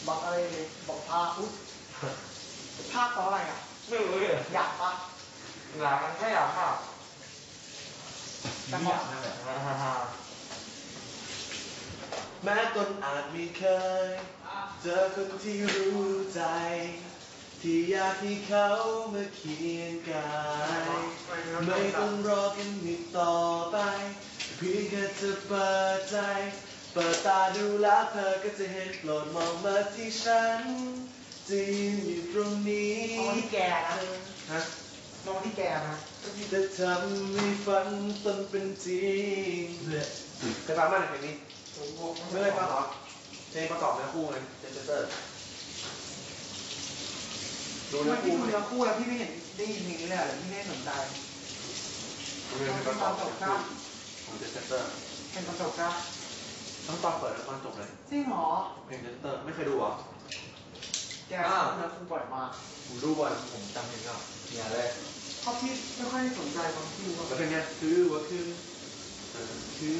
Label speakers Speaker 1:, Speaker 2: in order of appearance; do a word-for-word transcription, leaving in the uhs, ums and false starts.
Speaker 1: บอกอะไรเลยบอกพาอุ๊ยภาคต่ออะไรอ่ะ
Speaker 2: ไม่รู้เลย
Speaker 1: อยากปะ
Speaker 2: หลังมันแค่อยากมาก
Speaker 1: แต่พอ
Speaker 3: แม้ตนอาจไม่เคย เจอคนที่รู้ใจ ที่อยากให้เขามาเคียงกายไม่ต้องรอกันอีกต่อไป เพียงแค่จะเปิดใจ เปิดตาดูแล้วเธอก็จะเห็นโปรดมองมาที่ฉันจะยืนอยู่ตรงนี้
Speaker 1: มองที่แกนะ
Speaker 3: ฮะ
Speaker 1: มองที่แกนะ
Speaker 3: จะทำให้ฝันตนเป็นจริงเคยฟังบ้างเพลงนี้ไม่เคยฟังหรอเพลงประกอบเนื้อคู่ไงเจนเตอร์ดู
Speaker 1: ทำไม
Speaker 3: เนื้อ
Speaker 1: พี่
Speaker 3: คู่
Speaker 1: ดูเนื้อคู่แล้วพี่ไม่เห็นได้ยินเพลงนี้เลยหรือพี่ไม่สนใจ
Speaker 3: ดูเพลงประกอบเนื้อคู่ของเจนเตอร์
Speaker 1: เป็นประสบการณ์
Speaker 3: ต้องตอนเปิดแล้วตอนจบเลย
Speaker 1: จริงเหรอ
Speaker 3: เพลงเจนเตอร์ไม่เคยดูเหรอ
Speaker 1: แกเนื้อคู่บ่อยมาก
Speaker 3: ผมดูบ่อยผมจำเพลงก็เนี่ยเลย
Speaker 1: เพราะพี่ไม่ค่อยสนใจตอนที่ดู
Speaker 3: แล้วเพลงเนี้ยคือว่าคือคือ